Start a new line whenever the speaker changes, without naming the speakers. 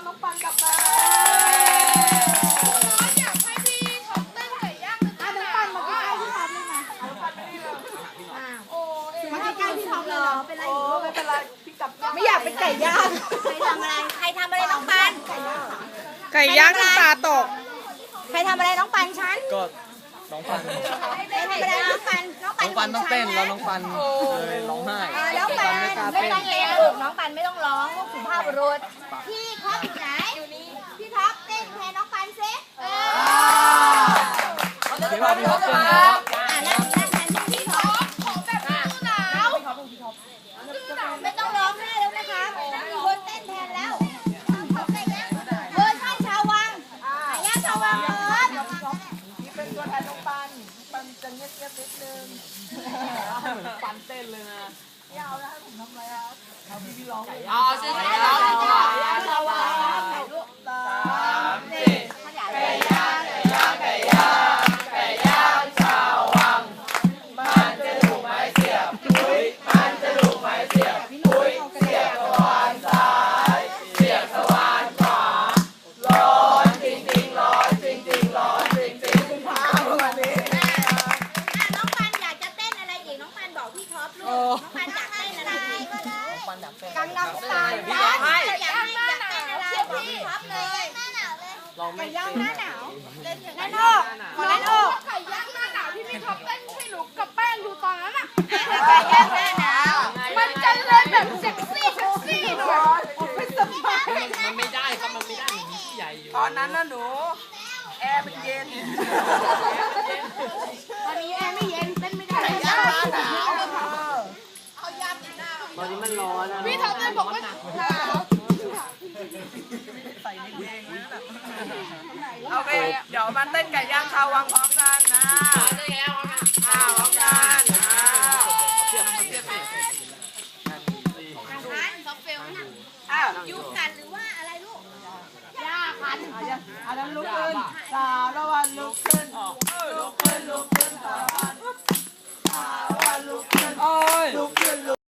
น้องปันกลับมาอยากให้พี่ท็อปเต้นไก่ย่างน้องปันมาใกล้ๆพี่ท็อปเลยมาน้องปันไม่ได้เลยมาใกล้ๆพี่ท็อปเลยเหรอเป็นไรไม่เป็นไรพี่กลับไม่อยากเป็นไก่ย่าง
ใครทำอะไรน้องปัน
ไก่ย่างน้ำตาตก
ใครทำอะไรน้องปันฉัน
ก็น้องปัน
ใครทำอะไรน้องปัน
น้องปันต้องเต้นแล้วน้องปันเลยร้องไห้
น้องปันไม่ต้องเต้นลูกน้องปันไม่ต้องร้องลูกสุภาพบุรุษพี่ท็อปอยู่ไหนอยู่นี่พี่ท็อปเต้นแทนน้องปันซิ
พี่ท็อปเต้น
นั่งแทนพี่ท็อป
ของแบบนี้หนาว
ไม่ต้องร้องไห้แล้วนะคะมีคนเต้นแทนแล้วเวอร์ชันชาววังไก่ย่างชาววัง
นี่เป็นตัวแทนน้องปันจะเงียบๆนิดนึงเหมือนปันเต้นเลยนะยาวนะให้ผมทำอะไรครับเอาพี่ร้องซื้อไก่ย่างชาววังลูก3 4ไก่ย่างไก่ย่างไก่ย่างไก่ย่างชาววังมันจะถูกไม้เสียบปุ้ยมันจะถูกไม้เสียบปุ้ยเสียบสว่านซ้ายเสียบสว่านขวาร้อนจริงๆร้อนจริงๆร้อนจริงๆพาวันนี้
น้องปันอยากจะเต้นอะไรอีกน้องปันบอกพี่ท็อปลูกน้องปันอยากเต้นอะไรก็ได้กังนำสไตล์อยากเต้นอะไรพี่ท็อปเลยหน้าหนาวเลยไก่ย่างหน้าหนาวนั่นอกนั่นอก
ไก่ย่างหน้าหนาวที่พี่ท็อปเต้นให้หนูกับแป้งดูตอนนั้นอ่ะ
ไก่ย่างหน้าหนาว
มันจะเล่นแบบเซ็กซี่หน่อยไม่สบาย
มันไม่ได้ครับมันไม่ได้ใหญ่อยู่
ตอนนั้นนะหนูแอร์มันเย็นตอนนี้แอร์ไม่เย็นเต้นไม่ได้ไก่ย่างหน้าหนาวเอายำหน้า
ตอนนี้มันร้อนนะ
พี่ท็อปเลยบอกว่าหนาวใส่ในเพลงนะโอเคเดี๋ยวมาเต้นไก่ย่างชาววังพร้อมกันนะพร้อมกัน
ยุบกันหรือว่าอะไรลูก
ย่าคันอันนั้นลุกขึ้นสาวละวันลุกขึ้นลุกขึ้นสาวละวันลุกขึ้นลุกขึ้น